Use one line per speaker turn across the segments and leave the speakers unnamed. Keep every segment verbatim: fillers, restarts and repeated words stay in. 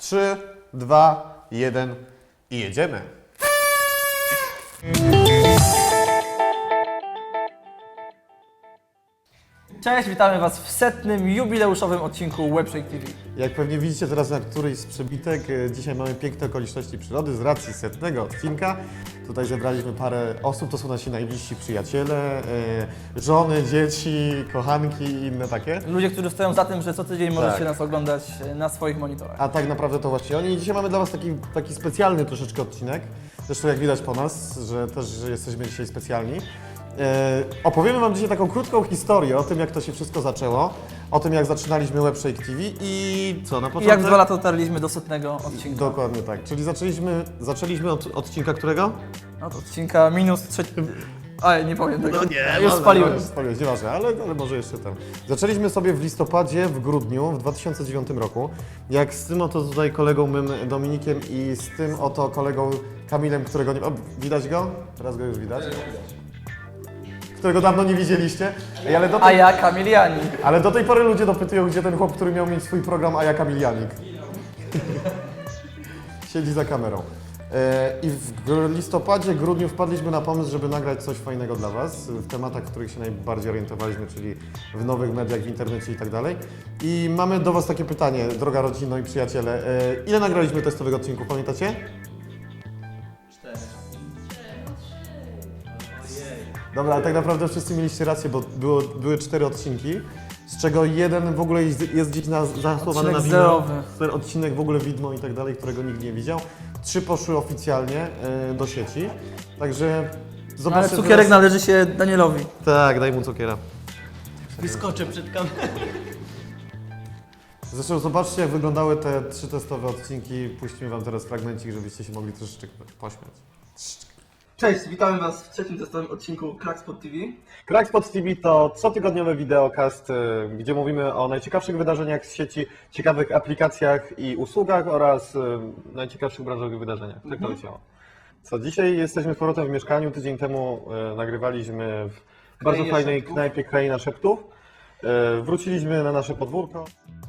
trzy, dwa, jeden i jedziemy.
Cześć, witamy Was w setnym jubileuszowym odcinku Webshake T V.
Jak pewnie widzicie teraz na którejś z przebitek, e, dzisiaj mamy piękne okoliczności przyrody z racji setnego odcinka. Tutaj zebraliśmy parę osób, to są nasi najbliżsi przyjaciele, e, żony, dzieci, kochanki i inne takie.
Ludzie, którzy stoją za tym, że co tydzień możecie
Tak.
nas oglądać na swoich monitorach.
A tak naprawdę to właśnie oni. I dzisiaj mamy dla Was taki, taki specjalny troszeczkę odcinek. Zresztą jak widać po nas, że też że jesteśmy dzisiaj specjalni. E, opowiemy Wam dzisiaj taką krótką historię o tym, jak to się wszystko zaczęło, o tym, jak zaczynaliśmy Webshake T V i co na
I
początek?
jak dwa lata dotarliśmy do setnego odcinka.
Dokładnie tak. Czyli zaczęliśmy, zaczęliśmy od odcinka którego?
Od odcinka minus trzeci... Oj, nie powiem tego.
No nie,
Już spaliłem.
Już spaliłeś, nieważne, ale, ale może jeszcze tam. Zaczęliśmy sobie w listopadzie, w grudniu, w dwa tysiące dziewiątym roku, jak z tym oto tutaj kolegą mym Dominikiem i z tym oto kolegą Kamilem, którego nie... O, widać go? Teraz go już widać. Którego dawno nie widzieliście. Ej, ale, do
A
tej,
ja Kamilianin.
ale do tej pory ludzie dopytują, gdzie ten chłop, który miał mieć swój program, a ja Kamilianik. Siedzi za kamerą. E, I w gr- listopadzie, grudniu wpadliśmy na pomysł, żeby nagrać coś fajnego dla Was w tematach, w których się najbardziej orientowaliśmy, czyli w nowych mediach, w internecie i tak dalej. I mamy do Was takie pytanie, droga rodzino i przyjaciele. E, ile nagraliśmy testowych odcinków, pamiętacie? Dobra, ale tak naprawdę wszyscy mieliście rację, bo było, były cztery odcinki, z czego jeden w ogóle jest, jest gdzieś na, zahasłowany
Odcinek
na wideo.
zerowy.
Ten odcinek w ogóle widmo i tak dalej, którego nikt nie widział. Trzy poszły oficjalnie e, do sieci, także
Ale
zobaczcie
cukierek
teraz...
należy się Danielowi.
Tak, daj mu cukiera.
Wyskoczę przed kamerą.
Zresztą zobaczcie, jak wyglądały te trzy testowe odcinki. Puścimy Wam teraz fragmencik, żebyście się mogli troszeczkę pośmiać.
Cześć, witamy Was w trzecim testowym odcinku Crackspot T V.
Crackspot T V to cotygodniowy wideokast, y, gdzie mówimy o najciekawszych wydarzeniach z sieci, ciekawych aplikacjach i usługach oraz y, najciekawszych branżowych wydarzeniach. Tak to leciało. Co, dzisiaj jesteśmy z powrotem w mieszkaniu. Tydzień temu y, nagrywaliśmy w bardzo
Krainie
fajnej
Szeptów.
knajpie Kraina Szeptów. Y, wróciliśmy na nasze podwórko.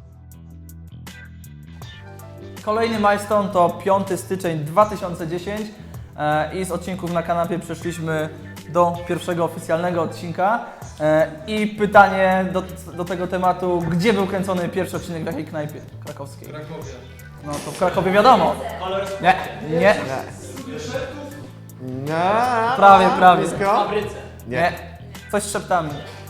Kolejny milestone to piąty styczeń dwa tysiące dziesiąty e, i z odcinków na kanapie przeszliśmy do pierwszego oficjalnego odcinka. E, I pytanie do, do tego tematu, gdzie był kręcony pierwszy odcinek w jakiej knajpie krakowskiej? W Krakowie. No to w Krakowie wiadomo. Nie, nie,
Nie,
Prawie, prawie.
blisko?
nie. Coś z szeptami.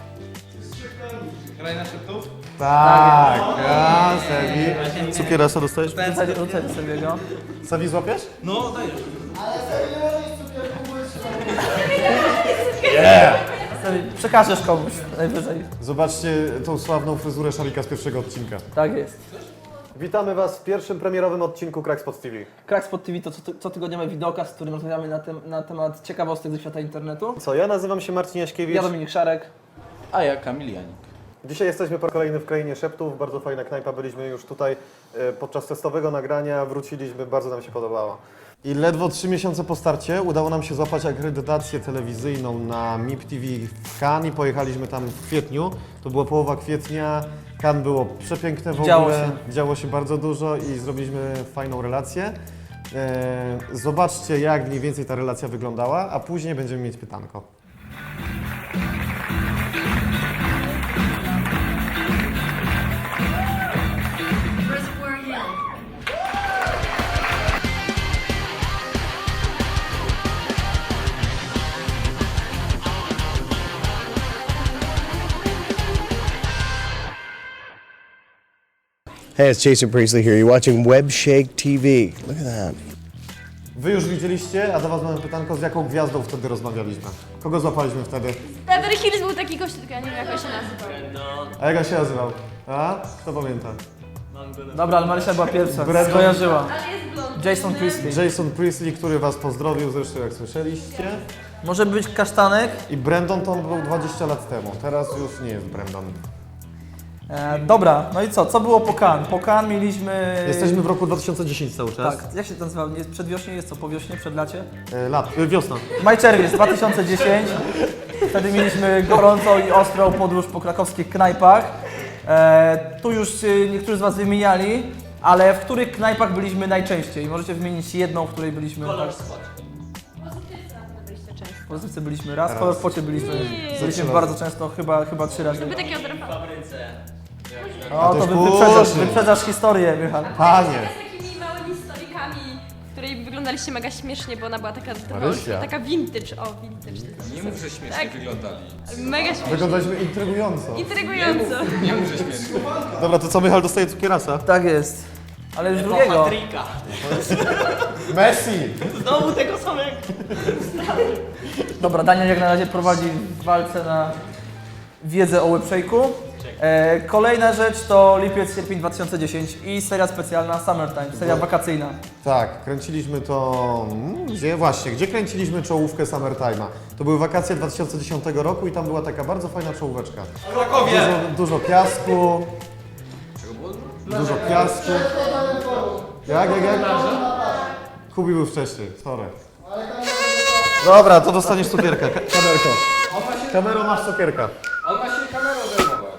Tak, ja, Sebi. Cukierasa dostajesz?
Rzucaj, rzucaj sobie go.
Sebi złapiesz?
No, dajesz.
Sobie przekażesz komuś najwyżej.
Zobaczcie tą sławną fryzurę Szarika z pierwszego odcinka.
Tak jest.
Witamy Was w pierwszym premierowym odcinku Crackspot T V.
Crackspot T V to co- cotygodniowy wideokast, w którym rozmawiamy na, tem na temat ciekawostek ze świata internetu.
Co, ja nazywam się Marcin Jaśkiewicz.
Ja Dominik Szarek.
A ja Kamil Janik.
Dzisiaj jesteśmy po raz kolejny w Krainie Szeptów. Bardzo fajna knajpa. Byliśmy już tutaj e, podczas testowego nagrania. Wróciliśmy, bardzo nam się podobało. I ledwo trzy miesiące po starcie udało nam się złapać akredytację telewizyjną na M I P T V w Cannes i pojechaliśmy tam w kwietniu. To była połowa kwietnia. Cannes było przepiękne w
Działo
ogóle.
się.
Działo się bardzo dużo i zrobiliśmy fajną relację. E, zobaczcie, jak mniej więcej ta relacja wyglądała, a później będziemy mieć pytanko.
Reservoir Hill.
Hey, it's Jason Priestley here. You're watching Webshake T V. Look at that.
Wy już widzieliście, a do Was mamy pytanko, z jaką gwiazdą wtedy rozmawialiśmy? Kogo złapaliśmy wtedy?
Beverly Hills był taki gość, tylko ja nie wiem jak on się nazywał.
A jak on się nazywał? A? Kto pamięta?
Dobra, ale Marysia była pierwsza,
Brandon.
skojarzyła.
Ale jest blond.
Jason Priestley.
Jason Priestley, który Was pozdrowił, zresztą jak słyszeliście.
Może być kasztanek.
I Brandon to był dwadzieścia lat temu, teraz już nie jest Brandon.
E, dobra, no i co? Co było po Cannes? Po Cannes mieliśmy...
Jesteśmy w roku dwa tysiące dziesiątym cały czas.
Tak, jak się to nazywa? Nie, przedwiośnie jest co? Po wiośnie? Przed lacie?
E, lat, e, wiosna.
Maj, czerwiec dwa tysiące dziesiąty. Wtedy mieliśmy gorącą i ostrą podróż po krakowskich knajpach. E, tu już e, niektórzy z Was wymieniali. ale w których knajpach byliśmy najczęściej? Możecie wymienić jedną, w której byliśmy.
Kolor
tak?
spot.
Byliście często.
W Polsce byliśmy raz,
Raz.
w Pocie byliśmy, byliśmy
razy.
bardzo często, chyba, chyba trzy razy.
Lubię takie odrapane.
Fabryce.
O, to
też
wy, wyprzedzasz,
później.
wyprzedzasz historię, Michał.
Panie!
Z takimi małymi stolikami, w której wyglądaliście mega śmiesznie, bo ona była taka trochę
Marysia.
taka vintage. O, vintage.
Nie mów, że śmiesznie
Tak.
wyglądali.
Mega śmiesznie.
Wyglądaliśmy intrygująco.
Intrygująco.
Nie mów, że śmiesznie.
Dobra, to co, Michał dostaje cukierasa?
Tak jest. Ale już drugiego.
Patryka.
Messi!
Znowu tego samego.
Dobra, Daniel jak na razie prowadzi w walce na wiedzę o webshake'u. E, kolejna rzecz to lipiec, sierpień dwa tysiące dziesiąty i seria specjalna Summertime, seria wakacyjna.
Tak, kręciliśmy to... mm, Gdzie? Właśnie, gdzie kręciliśmy czołówkę Summertime'a? To były wakacje dwa tysiące dziesiątego roku i tam była taka bardzo fajna czołóweczka.
Krakowie!
Dużo, dużo piasku. Dużo piasku. Jak, jak, jak? Kubi był wcześniej, sorry. Dobra, to dostaniesz cukierka. Ka- Kamerko. Kamero, masz cukierka.
On ma się kamerą zajmować.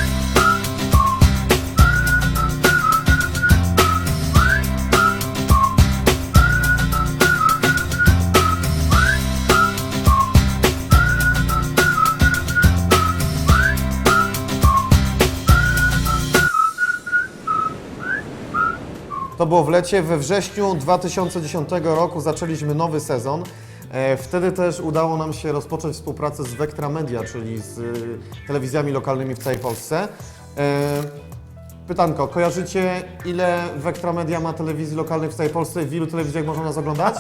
To było w lecie, we wrześniu dwa tysiące dziesiątego roku zaczęliśmy nowy sezon. E, Wtedy też udało nam się rozpocząć współpracę z Vectra Media, czyli z y, telewizjami lokalnymi w całej Polsce. E, Pytanko, kojarzycie ile Vectra Media ma telewizji lokalnych w całej Polsce? W ilu telewizjach można nas oglądać?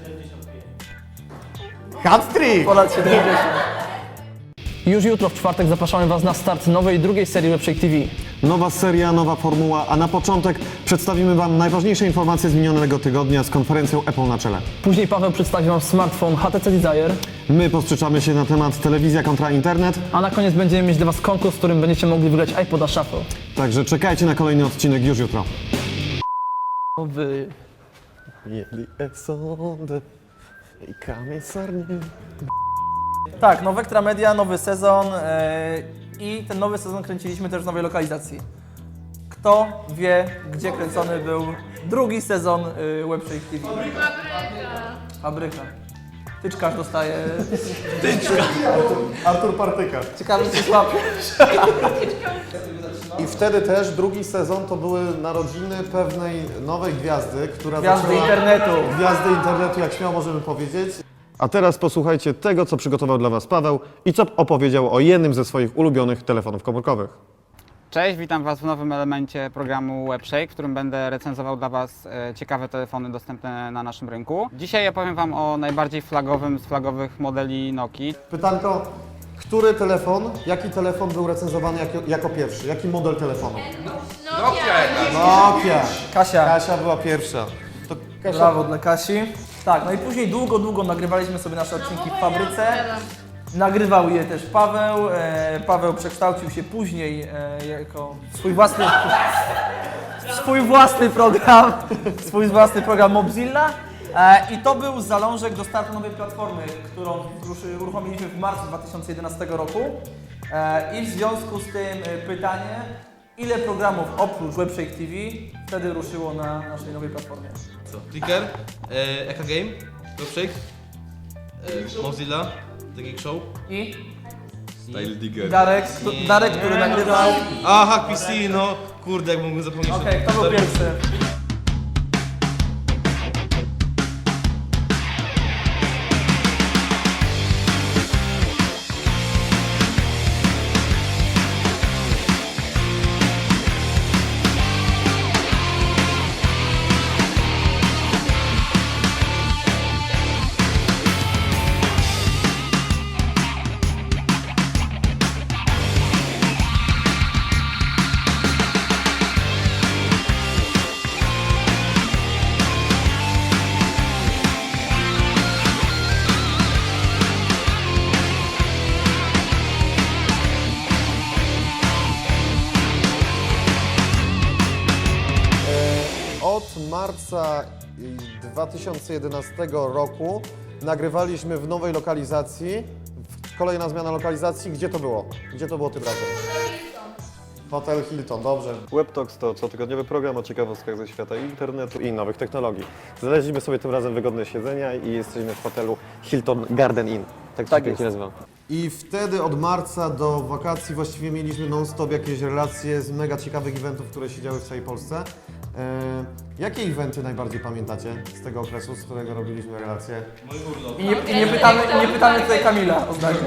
Hat-trick!
Ponad siedemdziesiąt. Już jutro w czwartek zapraszamy Was na start nowej drugiej serii Webshake T V.
Nowa seria, nowa formuła, a na początek przedstawimy Wam najważniejsze informacje z minionego tygodnia z konferencją Apple na czele.
Później Paweł przedstawi Wam smartfon H T C Desire,
My posprzeczamy się na temat telewizja kontra internet,
a na koniec będziemy mieć dla Was konkurs, w którym będziecie mogli wygrać iPoda Shuffle.
także czekajcie na kolejny odcinek już jutro.
Wy... Tak, no Vectra Media, nowy sezon yy, i ten nowy sezon kręciliśmy też w nowej lokalizacji. Kto wie, gdzie kręcony był drugi sezon yy, Webshake T V? Fabryka. Fabryka. Tyczkarz dostaje...
Artur Partyka.
Ciekawe, czy słabo.
I wtedy też drugi sezon to były narodziny pewnej nowej gwiazdy, która
Gwiazdy
zaczęła...
internetu.
Gwiazdy internetu, jak śmiało możemy powiedzieć. A teraz posłuchajcie tego, co przygotował dla Was Paweł i co opowiedział o jednym ze swoich ulubionych telefonów komórkowych.
Cześć, witam Was w nowym elemencie programu Webshake, w którym będę recenzował dla Was e, ciekawe telefony dostępne na naszym rynku. Dzisiaj opowiem Wam o najbardziej flagowym z flagowych modeli Nokii.
Pytanko, który telefon, jaki telefon był recenzowany jako, jako pierwszy? Jaki model telefonu?
Nokia!
Nokia.
Kasia.
Kasia była pierwsza. To Kasia...
Brawo dla Kasi. Tak, no i później długo, długo nagrywaliśmy sobie nasze odcinki w fabryce. Nagrywał je też Paweł. E, Paweł przekształcił się później e, jako swój własny, swój własny program, swój własny program Mobzilla. E, I to był zalążek do startu nowej platformy, którą ruszy, uruchomiliśmy w marcu dwa tysiące jedenastego roku. E, I w związku z tym e, pytanie, ile programów oprócz Webshake T V wtedy ruszyło na naszej nowej platformie?
Co? Clicker, e, Eka Game, Webshake, e, Mozilla, The Geek Show.
I
Style Digger.
Darek, kto- Darek, który nagrywał.
A, Hack P C, no kurde, jak mógłbym zapomnieć.
Okej, kto był pierwszy?
Od marca dwa tysiące jedenastego roku nagrywaliśmy w nowej lokalizacji. Kolejna zmiana lokalizacji. Gdzie to było? Gdzie to było tym razem? Hotel Hilton, dobrze. WebTalks to cotygodniowy program o ciekawostkach ze świata internetu i nowych technologii. Znaleźliśmy sobie tym razem wygodne siedzenia i jesteśmy w hotelu Hilton Garden Inn. Tak to
Tak
się
jest.
nazywa. I wtedy od marca do wakacji właściwie mieliśmy non-stop jakieś relacje z mega ciekawych eventów, które się działy w całej Polsce. E, jakie eventy najbardziej pamiętacie z tego okresu, z którego robiliśmy relacje?
I nie, i nie, pytamy, i nie pytamy tutaj Kamila o zdanie.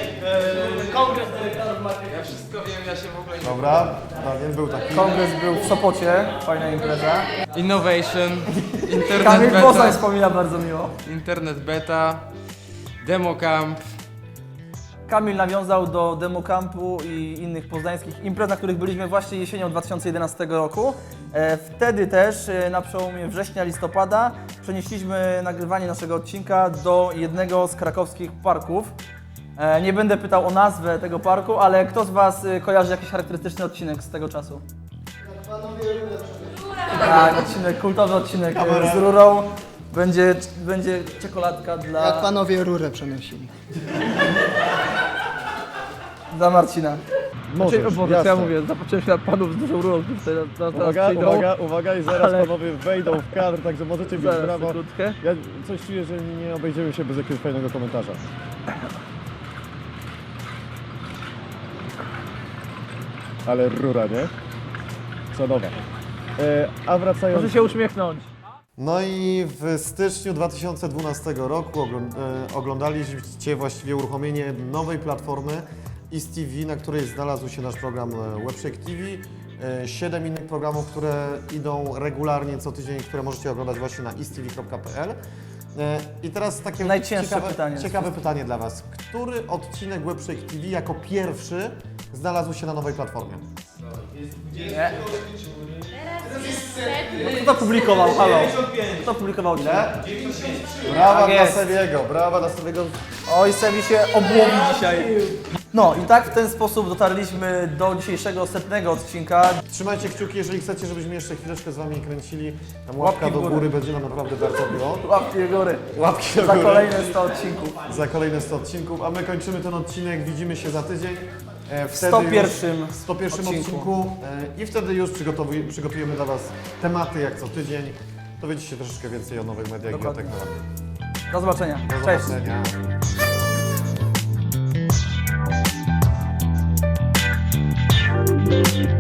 Ja wszystko wiem, ja się w ogóle nie...
Dobra, Daniel był taki.
Kongres był w Sopocie, fajna impreza.
Innovation, Internet
Kamil Poznań
Beta,
wspomina bardzo miło.
Internet Beta, Demo Camp.
Kamil nawiązał do Democampu i innych poznańskich imprez, na których byliśmy właśnie jesienią dwa tysiące jedenastego roku. E, Wtedy też e, na przełomie września, listopada przenieśliśmy nagrywanie naszego odcinka do jednego z krakowskich parków. E, Nie będę pytał o nazwę tego parku, ale kto z Was e, kojarzy jakiś charakterystyczny odcinek z tego czasu? Tak, odcinek, kultowy odcinek e, z rurą. Będzie, będzie czekoladka dla...
Jak panowie rurę przenosili.
Dla Marcina.
Możesz,
Znaczy, o Boże, co ja mówię, zapatrzyłem się na panów z dużą rurą, którzy tutaj na, na,
Uwaga,
przyjdą.
uwaga, uwaga i zaraz
Ale-
panowie wejdą w kadr, także możecie bić
Zaraz,
brawo.
sekundkę.
Ja coś czuję, że nie obejdziemy się bez jakiegoś fajnego komentarza. Ale rura, nie? Co nowa. E, a wracając...
Proszę się uśmiechnąć.
No i w styczniu dwa tysiące dwunastego roku ogląd- e, oglądaliście właściwie uruchomienie nowej platformy E S T V, na której znalazł się nasz program e, Webshake T V. E, Siedem innych programów, które idą regularnie co tydzień, które możecie oglądać właśnie na e s t v kropka p l. E, I teraz takie
Najcięższe
ciekawe
pytanie.
ciekawe pytanie dla Was. Który odcinek Webshake T V jako pierwszy znalazł się na nowej platformie?
Nie. Kto to publikował? Halo. Kto publikował odcinek?
Brawa
Tak
dla
jest.
Sebiego, brawa dla Sebiego.
Oj, Sebi się obłowi dzisiaj. No i tak w ten sposób dotarliśmy do dzisiejszego setnego odcinka.
Trzymajcie kciuki, jeżeli chcecie, żebyśmy jeszcze chwileczkę z Wami kręcili. Tam łapka
Łapki w
do
górę.
góry będzie nam naprawdę bardzo miło.
Łapki do góry.
Łapki do
Za
góry.
kolejne sto odcinków.
Za kolejne sto odcinków, a my kończymy ten odcinek, widzimy się za tydzień. E, wtedy
sto
już-
pierwszym
w sto pierwszym
odcinku.
odcinku, e, i wtedy już przygotowuj, przygotujemy dla Was tematy jak co tydzień. Dowiecie się troszeczkę więcej o nowych mediach i o
Dokładnie.
technologii.
Do zobaczenia.
Do
Cześć.
zobaczenia.